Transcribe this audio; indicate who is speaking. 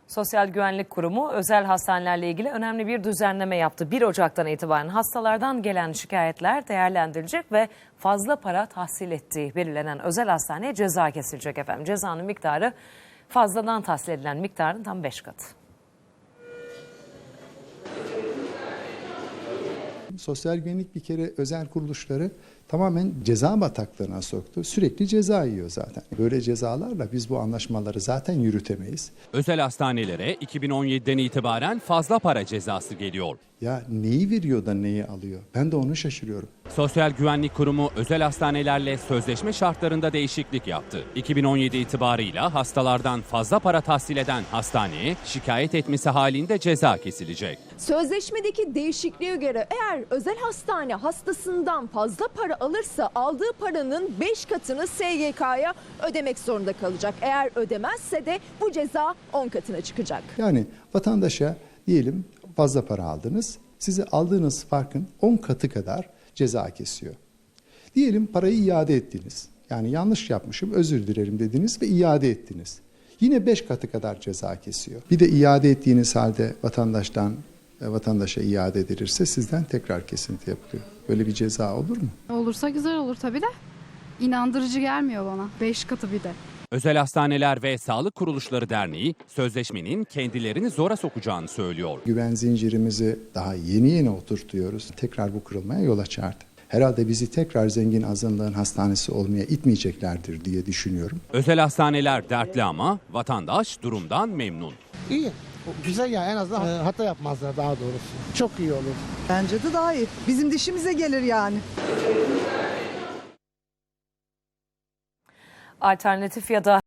Speaker 1: Sosyal Güvenlik Kurumu özel hastanelerle ilgili önemli bir düzenleme yaptı. 1 Ocak'tan itibaren hastalardan gelen şikayetler değerlendirilecek ve fazla para tahsil ettiği belirlenen özel hastaneye ceza kesilecek efendim. Cezanın miktarı fazladan tahsil edilen miktarın tam 5 katı.
Speaker 2: Sosyal güvenlik bir kere özel kuruluşları tamamen ceza bataklığına soktu. Sürekli ceza yiyor zaten. Böyle cezalarla biz bu anlaşmaları zaten yürütemeyiz.
Speaker 3: Özel hastanelere 2017'den itibaren fazla para cezası geliyor.
Speaker 2: Ya neyi veriyor da neyi alıyor? Ben de onu şaşırıyorum.
Speaker 3: Sosyal Güvenlik Kurumu özel hastanelerle sözleşme şartlarında değişiklik yaptı. 2017 itibarıyla hastalardan fazla para tahsil eden hastaneye şikayet etmesi halinde ceza kesilecek.
Speaker 4: Sözleşmedeki değişikliğe göre eğer özel hastane hastasından fazla para alırsa aldığı paranın 5 katını SGK'ya ödemek zorunda kalacak. Eğer ödemezse de bu ceza 10 katına çıkacak.
Speaker 2: Yani vatandaşa diyelim fazla para aldınız. Size aldığınız farkın 10 katı kadar ceza kesiyor. Diyelim parayı iade ettiniz. Yani yanlış yapmışım, özür dilerim dediniz ve iade ettiniz. Yine 5 katı kadar ceza kesiyor. Bir de iade ettiğiniz halde vatandaşa iade edilirse sizden tekrar kesinti yapılıyor. Böyle bir ceza olur mu?
Speaker 5: Olursa güzel olur tabii de. İnandırıcı gelmiyor bana. 5 katı bir de.
Speaker 3: Özel Hastaneler ve Sağlık Kuruluşları Derneği sözleşmenin kendilerini zora sokacağını söylüyor.
Speaker 2: Güven zincirimizi daha yeni oturtuyoruz. Tekrar bu kırılmaya yol açardı. Herhalde bizi tekrar zengin azınlığın hastanesi olmaya itmeyeceklerdir diye düşünüyorum.
Speaker 3: Özel hastaneler dertli ama vatandaş durumdan memnun.
Speaker 6: İyi. Güzel ya, en azından hata yapmazlar daha doğrusu. Çok iyi olur.
Speaker 7: Bence de daha iyi. Bizim dişimize gelir yani.
Speaker 1: Alternatif ya da